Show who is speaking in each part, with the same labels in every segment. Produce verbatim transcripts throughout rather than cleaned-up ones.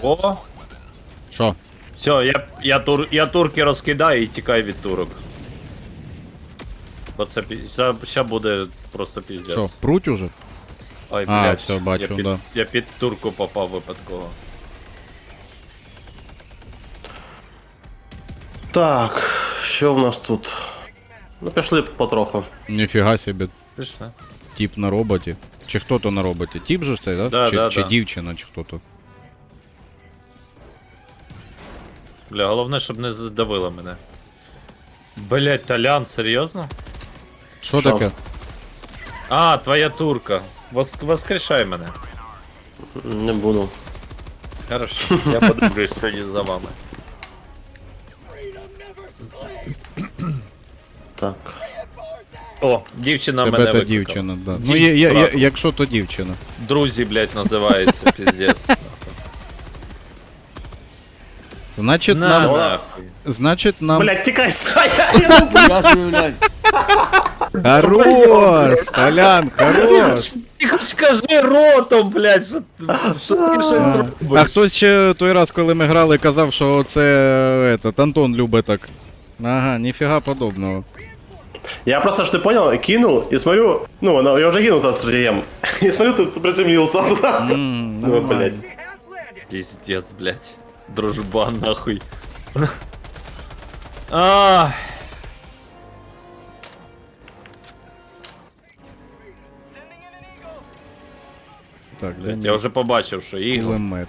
Speaker 1: О,
Speaker 2: Що?
Speaker 1: все, я, я, тур, я турки розкидаю і тікаю від турок. Бо це зараз буде просто піздець.
Speaker 2: Що, пруть уже?
Speaker 1: Ой,
Speaker 2: А,
Speaker 1: блядь,
Speaker 2: все, бачу,
Speaker 1: я під,
Speaker 2: да.
Speaker 1: я під турку попав випадково.
Speaker 3: Так, що в нас тут? Ну, пішли потроху.
Speaker 2: Ніфіга собі,
Speaker 1: Пішли.
Speaker 2: тіп на роботі. Чи хто то на роботі? Тіп же цей, да?
Speaker 1: Да,
Speaker 2: чи
Speaker 1: да,
Speaker 2: чи
Speaker 1: да.
Speaker 2: дівчина, чи хто то?
Speaker 1: Бля, головне, щоб не задавило мене. Блять, Толян, серйозно?
Speaker 2: Що
Speaker 3: Що?
Speaker 2: таке?
Speaker 1: А, твоя турка. Воск... Воскрешай мене.
Speaker 3: Не буду.
Speaker 1: Хорошо, я подивлюсь тоді за вами.
Speaker 3: Так.
Speaker 1: О, дівчина
Speaker 2: Тебе
Speaker 1: мене
Speaker 2: та
Speaker 1: викликала.
Speaker 2: дівчина, да.
Speaker 1: Дів
Speaker 2: Ну, є, є, є,
Speaker 1: сраку.
Speaker 2: якщо то дівчина.
Speaker 1: Друзі, блять, називається, піздець.
Speaker 2: Значить,
Speaker 1: На,
Speaker 2: нам...
Speaker 1: нахуй.
Speaker 2: Значить, нам...
Speaker 3: Блять, тікай, Саня! Я тут
Speaker 4: Дякую, блядь.
Speaker 2: Хорош! Толян, хорош!
Speaker 1: Ти хоч кажи ротом, блять, що, ти- що ти щось робиш.
Speaker 2: А хтось ще той раз, коли ми грали, казав, що це этот, Антон любить так. Ага, ніфіга подобного.
Speaker 3: Я просто, что ты понял, кинул и смотрю, ну, она- я уже кинул туда стратегем. И смотрю, ты приземлился туда.
Speaker 2: М,
Speaker 3: Ну,
Speaker 2: нормально.
Speaker 3: блядь.
Speaker 1: Пиздец, блять. Дружбан, нахуй. А,
Speaker 2: Так,
Speaker 1: блядь,
Speaker 2: де
Speaker 1: я
Speaker 2: мій
Speaker 1: вже побачив, що ігор.
Speaker 2: кулемет?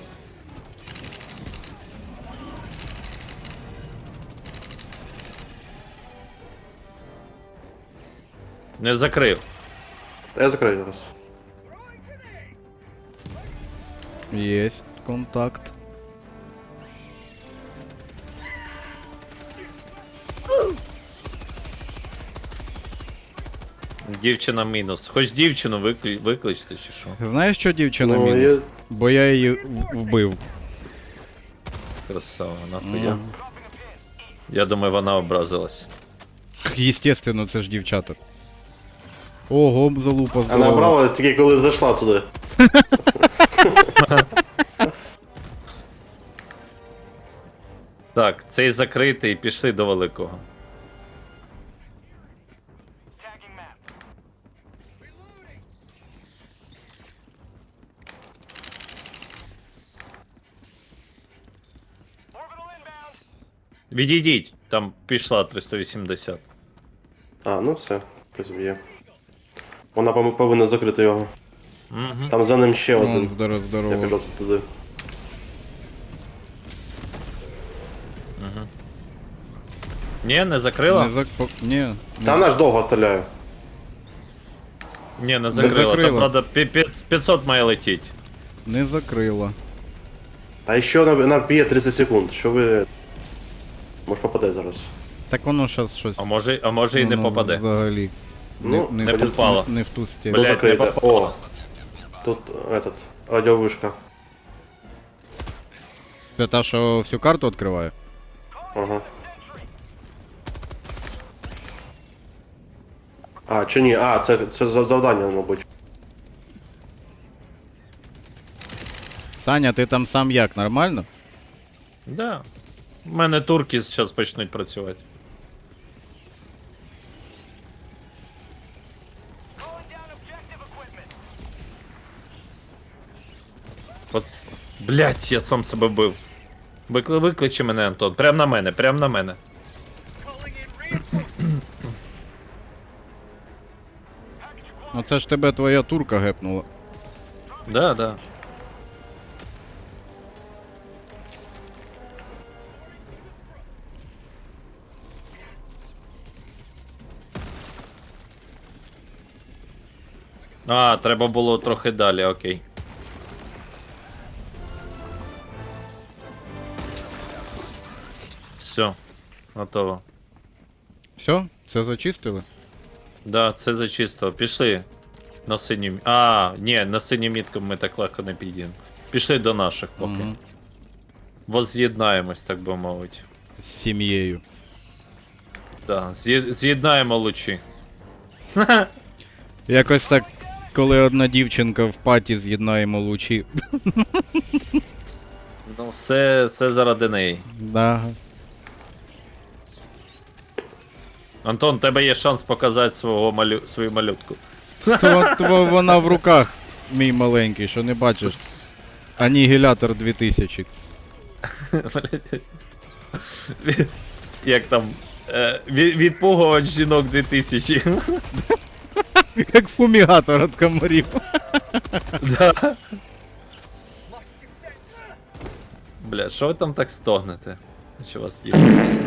Speaker 1: Не закрив.
Speaker 3: Да я закрою зараз.
Speaker 2: Єсть контакт.
Speaker 1: Дівчина мінус. Хоч дівчину викли... викличте чи що.
Speaker 2: Знаєш, що дівчина
Speaker 3: Ну,
Speaker 2: мінус?
Speaker 3: я...
Speaker 2: Бо я її в- вбив.
Speaker 1: Красава, нахуй.
Speaker 2: М.
Speaker 1: Я думаю, вона образилась.
Speaker 2: Єстественно, це ж дівчата. Ого, залупа
Speaker 3: Она
Speaker 2: здорова.
Speaker 3: обралась тільки коли зайшла туди.
Speaker 1: Так, цей закритий, пішли до великого. Відійдіть, там пішла триста вісімдесят.
Speaker 3: А, ну все, призб'є. Вона пов- повинна закрити його.
Speaker 1: Угу.
Speaker 3: Там за ним ще
Speaker 2: Вон,
Speaker 3: один.
Speaker 2: здорово,
Speaker 3: Я
Speaker 2: здорово.
Speaker 3: пішов туди.
Speaker 1: Ні, не закрила?
Speaker 2: Не зак... по- Ні, не
Speaker 3: Та вона ж довго стріляє.
Speaker 1: Ні, не закрила. Там,
Speaker 2: закрила.
Speaker 1: правда, пі- пі- п'ятсот має летіть.
Speaker 2: не закрила.
Speaker 3: Та ще вона, вона б'є тридцять секунд. Що ви... Може попаде зараз.
Speaker 2: Так воно щас щось...
Speaker 1: А може, а може і не
Speaker 2: воно
Speaker 1: попаде.
Speaker 2: Взагалі.
Speaker 3: Ну,
Speaker 2: не,
Speaker 1: не
Speaker 2: в ту-
Speaker 1: попало.
Speaker 2: Не, не в ту стіль.
Speaker 3: Тут
Speaker 1: Блядь, не
Speaker 3: закрите.
Speaker 1: попало.
Speaker 3: О, тут этот, радіовишка.
Speaker 2: Це та, що всю карту відкриває?
Speaker 3: Ага. А, чи ні? А, це, це за- завдання, мабуть.
Speaker 2: Саня, ти там сам як, нормально?
Speaker 1: Да. У мене турки зараз почнуть працювати. От, блять, я сам себе бив. Викли, викличе мене, Антон. Прям на мене, прям на мене.
Speaker 2: Оце ж тебе твоя турка гепнула.
Speaker 1: Да, да. А, треба було трохи далі, окей. Все, готово.
Speaker 2: Все? Це зачистили?
Speaker 1: Да, це зачисто. Пішли на синю. мі- А, ні, на синю мітку ми так легко не підійдемо. Пішли до наших поки.
Speaker 2: Мгм.
Speaker 1: Воз'єднаємось, так би мовити.
Speaker 2: З сім'єю.
Speaker 1: Да, з'єд- з'єднаємо лучі.
Speaker 2: Якось так, коли одна дівчинка в паті з'єднаємо лучі.
Speaker 1: Ну, все, все заради неї.
Speaker 2: Да.
Speaker 1: Антон, у тебе є шанс показати свого малю... свою малютку.
Speaker 2: Це от во- вона в руках, мій маленький, що не бачиш. Анігілятор дві тисячі.
Speaker 1: Як там. Е, від, відпугувач жінок дві тисячі.
Speaker 2: Як фумігатор від комарів.
Speaker 1: Да. Бля, що ви там так стогнете? Що у вас є?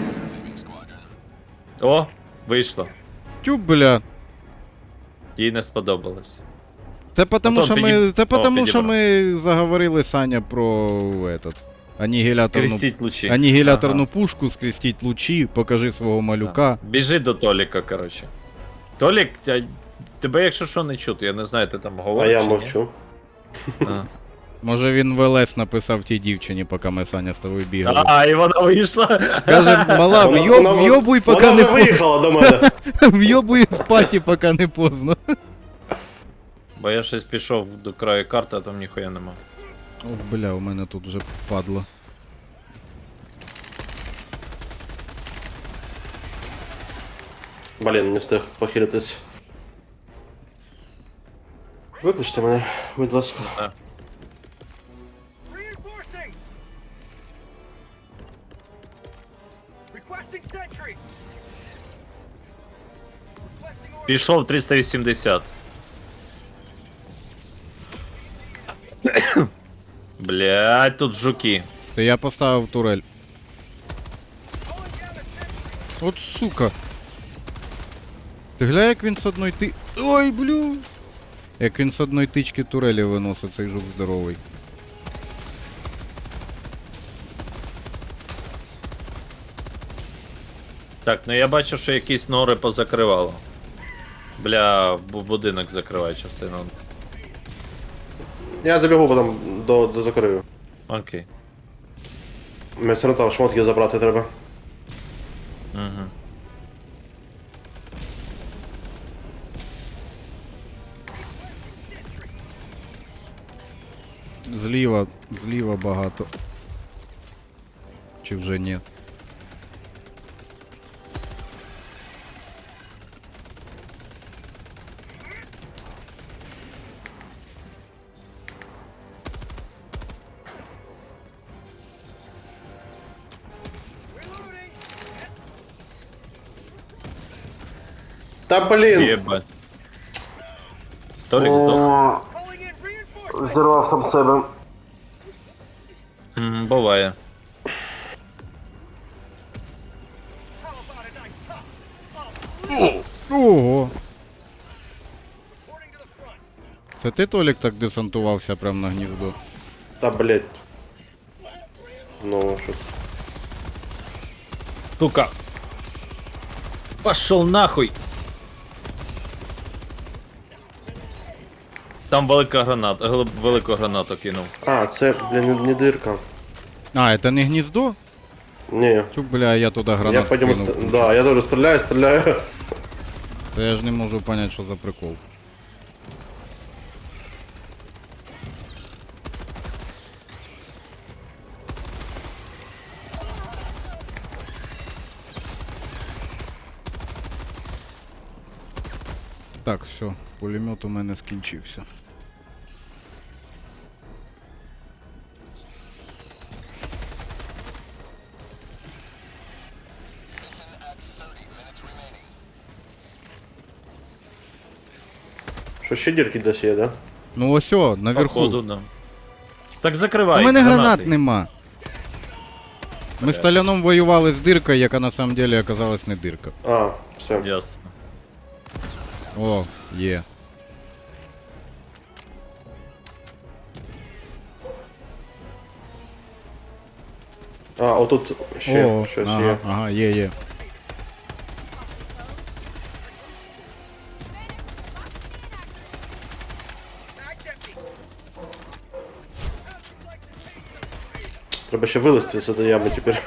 Speaker 1: О, вийшло.
Speaker 2: Тю, бля.
Speaker 1: Їй не сподобалось.
Speaker 2: Це потому,
Speaker 1: Антон,
Speaker 2: що
Speaker 1: підіб-
Speaker 2: ми, це
Speaker 1: О,
Speaker 2: потому, що
Speaker 1: підібрав.
Speaker 2: ми заговорили, Саня, про этот, анігіляторну,
Speaker 1: Скрестіть лучі.
Speaker 2: анігіляторну пушку, скрестіть лучі, покажи свого малюка.
Speaker 1: Ага. Біжи до Толіка, коротше. Толік, тя- тебе якщо що не чути, я не знаю, ти там
Speaker 3: А
Speaker 1: говориш.
Speaker 3: я
Speaker 1: чи ні?
Speaker 3: мовчу.
Speaker 1: А.
Speaker 2: Може він в ЛС написав тій дівчині, поки ми, Саня, з тобою бігали.
Speaker 1: А, і вона вийшла.
Speaker 2: Каже, мала,
Speaker 3: Вона-
Speaker 2: вйоб,
Speaker 3: вона-
Speaker 2: вйобуй, поки
Speaker 3: Вона
Speaker 2: не
Speaker 3: вже
Speaker 2: поздно.
Speaker 3: виїхала до мене.
Speaker 2: Вйобуй з паті, поки не поздно.
Speaker 1: Бо я щось пішов до краю карти, а там ніхуя нема.
Speaker 2: Ох, бля, у мене тут вже падло.
Speaker 3: Блін, не встиг похилитись. Виключте мене, будь ласка.
Speaker 4: Reinforcing! Requesting sentry! Requesting order.
Speaker 1: Пішов триста вісімдесят. Блять, тут жуки.
Speaker 2: Та я поставив турель. От сука. Ти гля, як він з одної ти. Ой, блю. Як він з одної тички турелі виносить цей жук здоровий.
Speaker 1: Так, ну я бачу, що якісь нори позакривало. Бля, бу- будинок закриває частину.
Speaker 3: Я забігу потім до, до закрию.
Speaker 1: Окей.
Speaker 3: Мені все одно там шмотки забрати треба.
Speaker 1: Угу.
Speaker 2: Зліва, зліва багато. Чи вже ні?
Speaker 3: Та блін!
Speaker 1: Єбать. Толік здох.
Speaker 3: О,
Speaker 4: Calling in reinforcements!
Speaker 3: Взірвав сам себе.
Speaker 1: М, буває.
Speaker 4: How about a nice top?
Speaker 2: Ого!
Speaker 4: Reporting to the front.
Speaker 2: Це ти, Толік, так десантувався прямо на гніздо?
Speaker 3: Та блять. Ну, що.
Speaker 1: Сука. Пошел нахуй. Там велика граната, глиб- велику гранату кинув.
Speaker 3: А, це, блін, не, не дирка.
Speaker 2: А, це не гніздо?
Speaker 3: Ні.
Speaker 2: Тю, бля, я туди
Speaker 3: Я
Speaker 2: гранат
Speaker 3: по ньому
Speaker 2: кинув.
Speaker 3: ст... Да, я теж стріляю, стріляю.
Speaker 2: Та я ж не можу поняти, що за прикол. Так, все, пулемет у мене скінчився.
Speaker 3: Що ще дірки десь є, да?
Speaker 2: Ну ось о, наверху.
Speaker 1: Походу, да. Так закривай.
Speaker 2: У мене
Speaker 1: гранати.
Speaker 2: гранат нема. Ми з Таляном воювали з диркою, яка на самом деле оказалась не дирка.
Speaker 3: А, все.
Speaker 1: Ясно.
Speaker 2: О, є.
Speaker 3: А, отут ще
Speaker 2: О,
Speaker 3: щось
Speaker 2: ага,
Speaker 3: є.
Speaker 2: ага, є, є.
Speaker 4: Mag's empty.
Speaker 3: Треба ще вилезти з цієї ями тепер.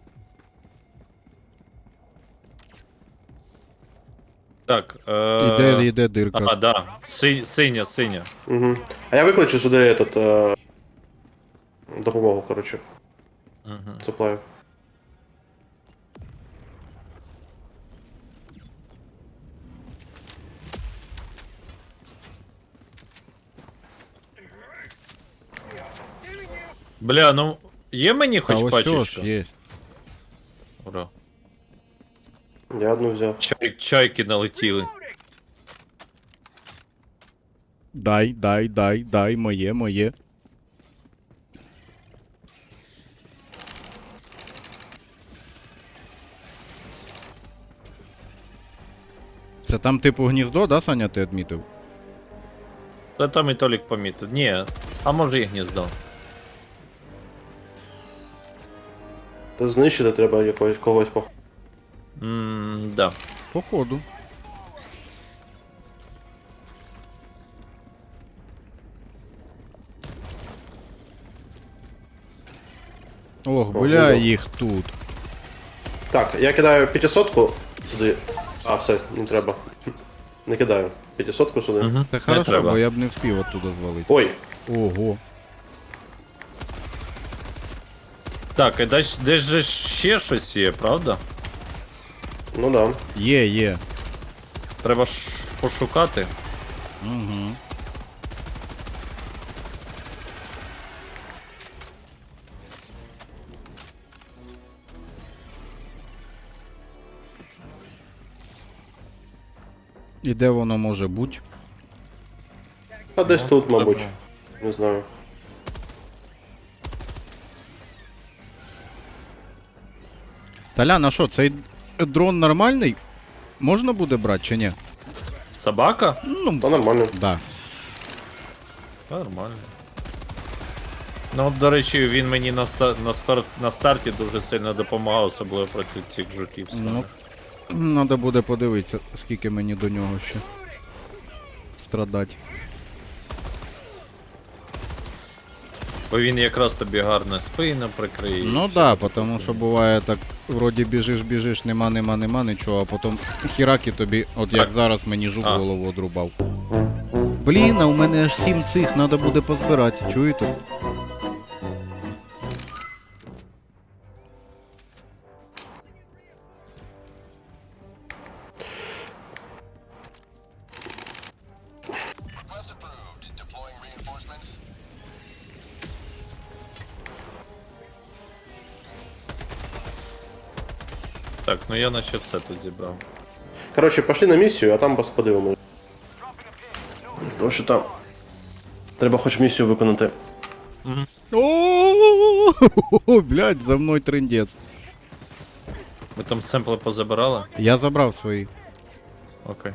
Speaker 1: Так, е...
Speaker 2: Іде йде, йде дирка.
Speaker 1: А, да. Си, синя, синя.
Speaker 3: Угу. А я викличу сюди этот, е... допомогу, коротше.
Speaker 1: Угу.
Speaker 3: Суплаю.
Speaker 1: Бля, ну є мені
Speaker 2: Та
Speaker 1: хоч
Speaker 2: ось що
Speaker 1: пачечка?
Speaker 2: ж є.
Speaker 1: Ура.
Speaker 3: Я одну взяв.
Speaker 1: Чай, чайки налетіли.
Speaker 4: Loading.
Speaker 2: Дай, дай, дай, дай, моє, моє. Це там типу гніздо, да, Саня, ти адмітив?
Speaker 1: Та там і Толік помітив. Ні, а може і гніздо.
Speaker 3: Та знищити треба якогось когось по.
Speaker 1: Ммм, да.
Speaker 2: Походу. Ох, бля,
Speaker 3: видав.
Speaker 2: їх тут.
Speaker 3: Так, я кидаю п'ятисотку сюди. А, все, не треба. Не кидаю. П'ятисотку сюди.
Speaker 1: Угу.
Speaker 2: Це хорошо, бо я б не вспів оттуда звалити.
Speaker 3: Ой,
Speaker 2: Ого.
Speaker 1: Так, і десь, десь же ще щось є, правда?
Speaker 3: ну да.
Speaker 2: Є, є.
Speaker 1: Треба ж пошукати.
Speaker 2: Угу. І де воно може бути?
Speaker 3: А десь тут, мабуть. Не знаю.
Speaker 2: Таляна, що, цей дрон нормальний? Можна буде брати чи ні?
Speaker 1: Собака?
Speaker 2: Ну,
Speaker 3: Та нормально.
Speaker 2: да.
Speaker 1: Нормально. Ну, от, до речі, він мені на, ста- на, старт, на старті дуже сильно допомагав, особливо проти цих жуків.
Speaker 2: Ну, треба буде подивитися, скільки мені до нього ще страдати.
Speaker 1: Бо він якраз тобі гарно спину прикриє.
Speaker 2: Ну да, тому що буває так, вроді біжиш, біжиш, нема, нема, нема нічого, а потім хіраки тобі, от як
Speaker 1: Так.
Speaker 2: зараз мені жук
Speaker 1: А.
Speaker 2: голову одрубав. Блін, а у мене аж сім цих, треба буде позбирати, чуєте?
Speaker 5: Request approved. Deploying reinforcements.
Speaker 1: Так, ну я наче все тут зібрав.
Speaker 3: Коротше, пошли на місію, а там подивимось. Тому що там. Треба хоч місію виконати.
Speaker 2: О, блядь, за мною трындець.
Speaker 1: Ви там семпли позабирали?
Speaker 2: Я забрав свої.
Speaker 1: Окей.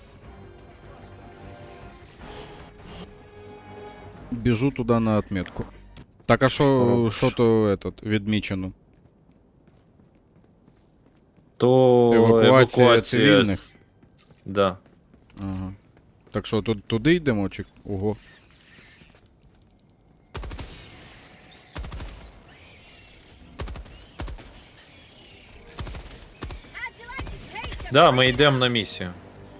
Speaker 2: Біжу туди на отметку. Так а що,
Speaker 1: робиш?
Speaker 2: що то этот, відмічено?
Speaker 1: То
Speaker 2: Евакуація
Speaker 1: евакуація
Speaker 2: цивільних?
Speaker 1: з- Да.
Speaker 2: Ага. Так що, тут, туди йдемо чи? Ого.
Speaker 1: Да, ми йдемо на місію.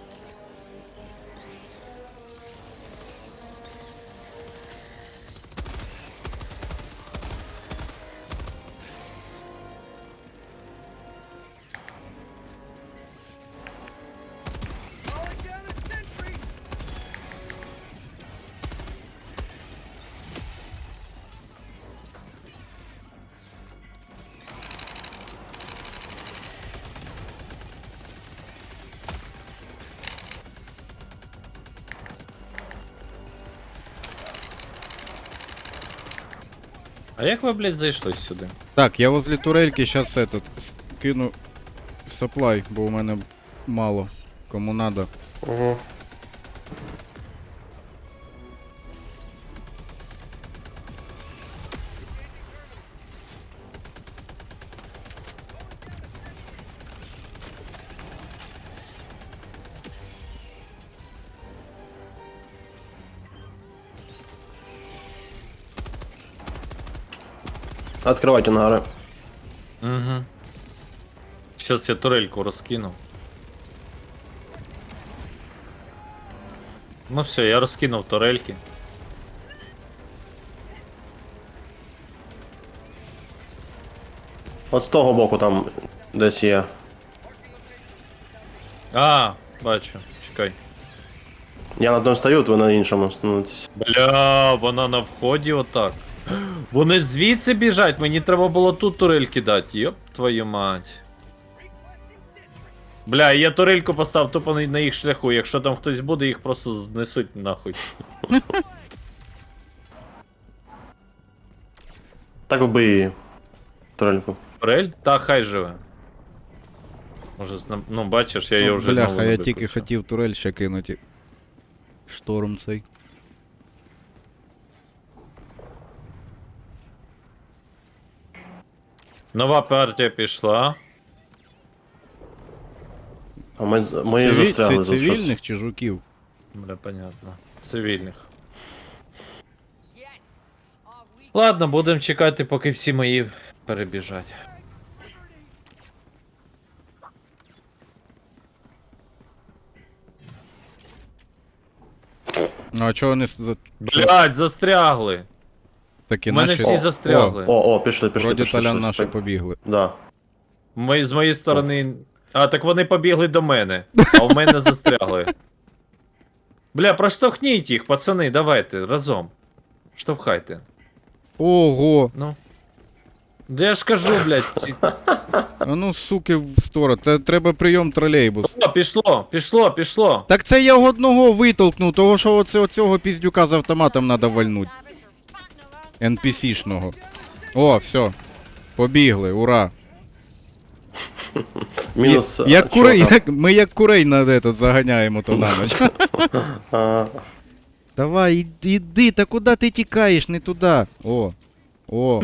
Speaker 4: Calling down a sentry.
Speaker 1: А як ви, блядь, зайшли сюди?
Speaker 2: Так, я возле турельки сейчас этот кину саплай, бо у мене мало. Кому надо.
Speaker 3: Угу. Открывать ангары.
Speaker 1: Угу. Щас я турельку розкину. Ну все, я розкинув турельки.
Speaker 3: От з того боку там десь є.
Speaker 1: А, бачу, чекай.
Speaker 3: Я на одному стою, от ви на іншому становитесь.
Speaker 1: Бля, вона на вході отак. Вони звідси біжать, мені треба було тут турельки дати, йоп твою мать. Бля, я турельку поставив тупо на на їх шляху, якщо там хтось буде, їх просто знесуть нахуй.
Speaker 3: Так вбий її. Турельку.
Speaker 1: Турель? Та хай живе. Може, зна- ну бачиш, я її вже
Speaker 2: Бляха,
Speaker 1: нову
Speaker 2: я
Speaker 1: набив,
Speaker 2: тільки
Speaker 1: все.
Speaker 2: хотів турель ще кинути. Шторм цей.
Speaker 1: Нова партія пішла.
Speaker 3: А ми, з- ми
Speaker 2: Це, ві-
Speaker 3: застрягли
Speaker 2: це
Speaker 3: тут щось.
Speaker 2: цивільних чи жуків?
Speaker 1: Бля, понятно. Цивільних.
Speaker 4: Yes. Are we
Speaker 1: Ладно, будемо чекати, поки всі мої перебіжать.
Speaker 2: Ну а чого вони за...
Speaker 1: Блять, застрягли!
Speaker 2: такі
Speaker 1: У мене
Speaker 2: наші?
Speaker 1: всі
Speaker 2: О,
Speaker 1: застрягли.
Speaker 3: О, о, пішли, пішли,
Speaker 2: Вроді
Speaker 3: пішли.
Speaker 2: талян
Speaker 3: пішли.
Speaker 2: наші побігли.
Speaker 3: Да.
Speaker 1: Ми, з моєї сторони. А, так вони побігли до мене, а в мене застрягли. Бля, проштовхніть їх, пацани, давайте, разом. Штовхайте.
Speaker 2: Ого!
Speaker 1: Ну. Да я ж кажу, блядь. ці-
Speaker 2: А ну суки в сторону. Це треба прийом тролейбус.
Speaker 1: О, пішло, пішло, пішло.
Speaker 2: Так це я одного витолкнув, того що оце оцього піздюка з автоматом треба вальнуть. ен пі сі-шного. О, все. Побігли, ура.
Speaker 3: Мінус.
Speaker 2: як
Speaker 3: а,
Speaker 2: курей,
Speaker 3: чого там?
Speaker 2: як, ми як курей на этот заганяємо то на ніч.
Speaker 3: А,
Speaker 2: Давай, іди, іди, та куди ти тікаєш, не туди. О, о.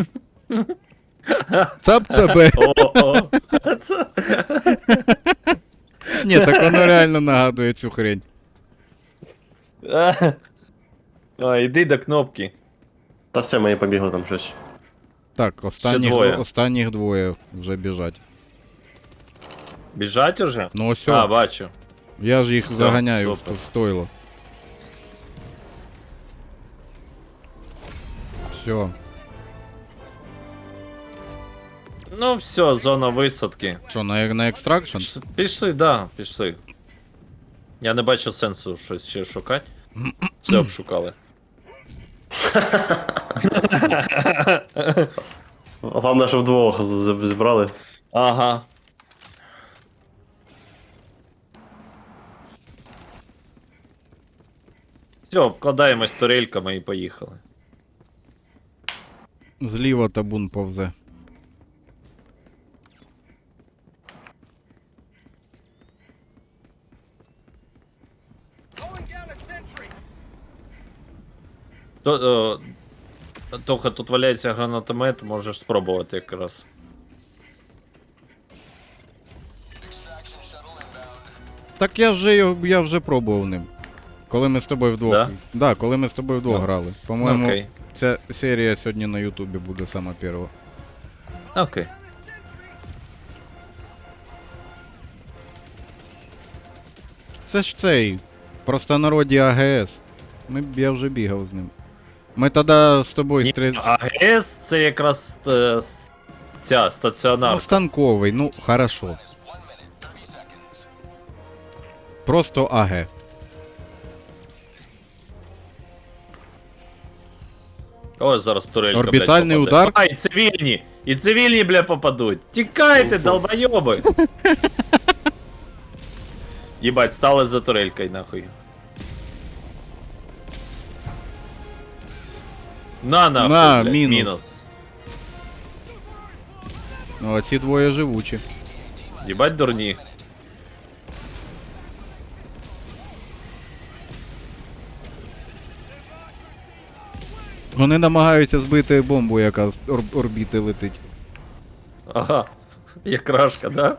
Speaker 2: Цап цабе.
Speaker 1: О, о. Це-
Speaker 2: Ні, так воно реально нагадує цю хрень.
Speaker 1: А, іди до кнопки.
Speaker 3: Та все, мої побігли там щось.
Speaker 2: Так, останніх,
Speaker 1: двоє.
Speaker 2: останніх двоє вже біжать.
Speaker 1: Біжать уже?
Speaker 2: Ну ось,
Speaker 1: А, бачу.
Speaker 2: я ж їх
Speaker 1: все,
Speaker 2: заганяю в
Speaker 1: супер.
Speaker 2: в стойло. Все.
Speaker 1: Ну все, зона висадки.
Speaker 2: Що, на, на екстракшн?
Speaker 1: Ш- Пішли, да, пішли. Я не бачу сенсу щось ще шукати. Все обшукали.
Speaker 3: Головне, що вдвох з- з- зібрали.
Speaker 1: Ага. Все, обкладаємось турельками і поїхали.
Speaker 2: Зліва табун повзе.
Speaker 4: going down a sentry?
Speaker 1: То, о, Тоха, тут валяється гранатомет, можеш спробувати якраз.
Speaker 2: Так я вже його- я вже пробував ним. Коли ми з тобою вдвох.
Speaker 1: Да?
Speaker 2: Да, коли ми з тобою вдвох
Speaker 1: Ну.
Speaker 2: грали. По-моєму,
Speaker 1: Окей.
Speaker 2: ця серія сьогодні на Ютубі буде сама перша.
Speaker 1: Окей.
Speaker 2: Це ж цей. В простонароді а ге ес. Ми, б- я вже бігав з ним. Ми тоді з тобою
Speaker 1: Ні,
Speaker 2: стріли.
Speaker 1: АГС це якраз е, с- ця
Speaker 2: Ну,
Speaker 1: стаціонарка.
Speaker 2: станковий, ну, хорошо. Просто АГ.
Speaker 1: Ось зараз турелька,
Speaker 2: Орбітальний
Speaker 1: блядь, попаде.
Speaker 2: удар.
Speaker 1: А, і цивільні! І цивільні, бля, попадуть. Тікайте, долбойоби! Єбать, стали за турелькою, нахуй. На, нахуй,
Speaker 2: На,
Speaker 1: блядь,
Speaker 2: мінус.
Speaker 1: мінус.
Speaker 2: Ну, а ці двоє живучі.
Speaker 1: Єбать дурні.
Speaker 2: Вони намагаються збити бомбу, яка з ор- орбіти летить.
Speaker 1: Ага. Як крашка, да?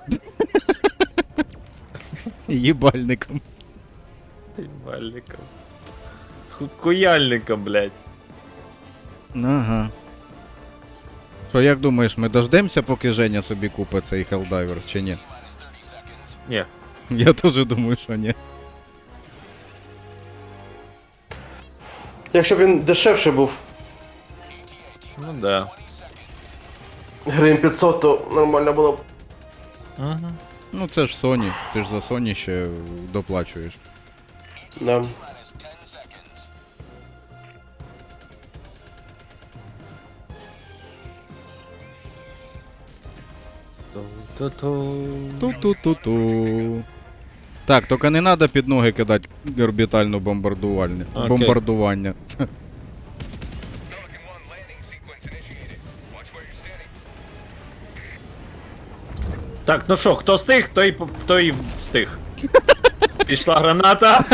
Speaker 2: Їбальником.
Speaker 1: Ебальником. Ху- Куяльником, блядь.
Speaker 2: Ага. Що, як думаєш, ми дождемося, поки Женя собі купить цей Helldivers, чи ні?
Speaker 1: Ні.
Speaker 2: Я теж думаю, що ні.
Speaker 3: Якщо б він дешевше був,
Speaker 1: Ну да.
Speaker 3: гривень п'ятсот, то нормально було б.
Speaker 1: Угу.
Speaker 2: Ну це ж Sony, ти ж за Sony ще доплачуєш.
Speaker 3: Да.
Speaker 2: Ту-ту-ту-ту. Так, тільки не треба під ноги кидати орбітальну бомбардувальне.
Speaker 1: Окей.
Speaker 2: Бомбардування.
Speaker 5: Pelican one landing sequence initiated. Watch where you're standing.
Speaker 1: Так, ну що, хто встиг, той, п- той встиг. Пішла граната.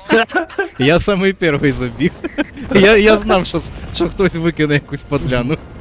Speaker 2: Я самий перший забіг. Я, я знав, що, с- що хтось викине якусь подляну.